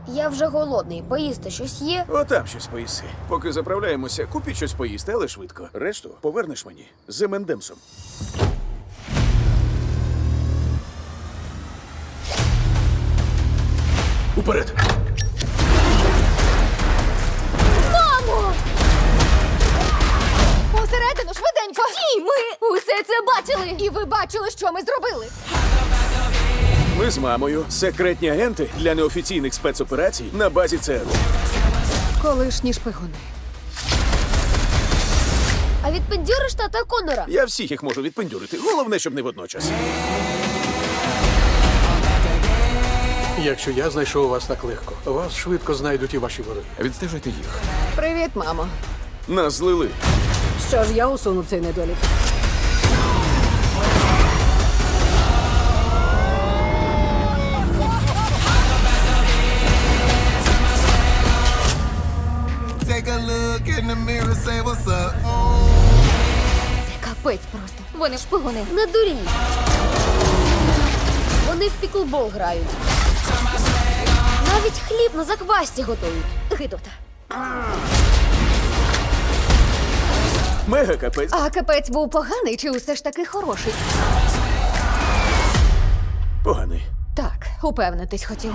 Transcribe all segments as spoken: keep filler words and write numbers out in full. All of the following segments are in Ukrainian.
Я вже голодний. Поїсти щось є? Отам щось поїси. Поки заправляємося, купіть щось поїсти, але швидко. Решту повернеш мені з ем енд емсом. Уперед! Мамо! Усередину, швиденько! Стій! Ми усе це бачили! І ви бачили, що ми зробили? Ми з мамою секретні агенти для неофіційних спецоперацій на базі ЦРУ. Колишні шпигуни. А відпендюриш тата Конора? Я всіх їх можу відпендюрити. Головне, щоб не водночас. Якщо я знайшов вас так легко, вас швидко знайдуть і ваші вороги. Відстежуйте їх. Привіт, мамо. Нас злили. Що ж, я усуну цей недолік. Take a look in the mirror, say what's up. Капець просто. Вони шпигуни. Не дурій. Вони в піклбол грають. Навіть хліб на заквасті готують. Гидота. Мега капець. А капець був поганий чи усе ж таки хороший? Поганий. Так, упевнитись хотів.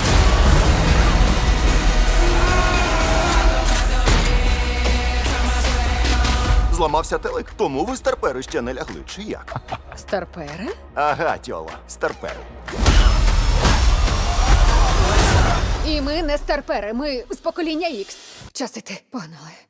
Зламався телек, тому ви старпери ще не лягли, чи як? Старпери? Ага, тьола, старпери. І ми не старпери, ми з покоління Ікс. Час іти, погнали.